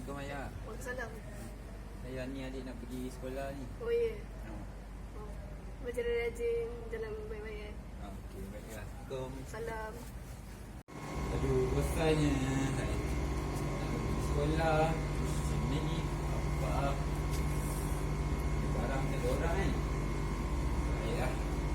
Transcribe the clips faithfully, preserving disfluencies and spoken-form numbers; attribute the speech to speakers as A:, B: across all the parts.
A: Assalamualaikum ayah.
B: Waalaikumsalam.
A: Ayah ni adik nak pergi sekolah ni.
B: Oh ya.
A: Oh.
B: Oh. Macam rajin jalan baik-baik eh.
A: Okey, baiklah. Assalamualaikum.
B: Salam.
A: Aduh, bosannya. Nak pergi sekolah. Sini ni apa? Barang ada orang kan. Baiklah.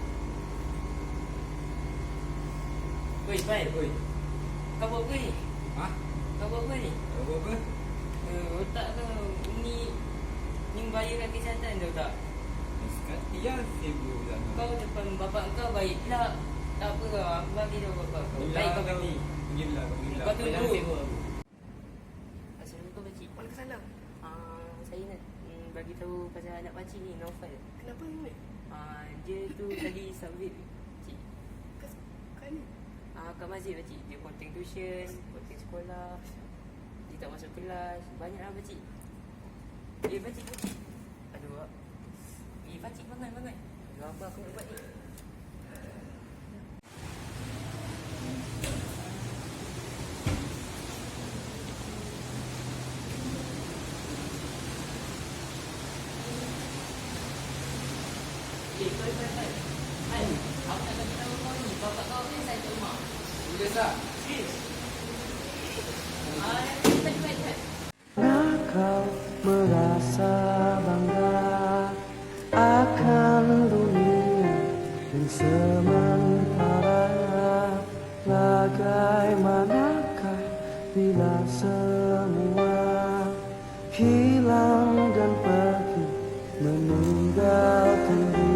C: Oi, Pai.
A: Oi.
C: Kau buat apa ni?
A: Ha?
C: Kau buat apa ni?
A: Kau buat apa?
C: Uh, otak kau ni ni membahayakan kesihatan tau tak?
A: Sekali ya sibuk sana.
C: Kau depan bapak kau baik pula. Tak apa kau, aku bagi tahu bapak kau. Baik kau pergi.
A: Pergilah, pergilah.
C: Kau tunggu.
A: Jangan sibuk aku.
C: Assalamualaikum pakcik.
B: Waalaikumsalam.
C: Ah, saya nak mm, bagi tahu pasal anak pakcik ni, Naufal.
B: Kenapa ni?
C: Ah, dia tu tadi submit pakcik.
B: Kas kan ni.
C: Ah, kat masjid pakcik. Dia konting tuition, konting sekolah. Dia tak masuk kelas. Banyaklah pakcik. Eh, pakcik, pakcik. Aduh. Eh, pakcik bangun, bangun. Aduh, apa aku nak buat ni? Eh, kau, kau, kau. Hai, aku nak bagi tahu kau ni. Bapak kau kan saya kat rumah.
A: Boleh tak?
C: Serius? Ah, cepat, cepat, cepat.
D: Kau merasa bangga akan dunia yang sementara. Bagaimanakah bila semua hilang dan pergi meninggalkan diri?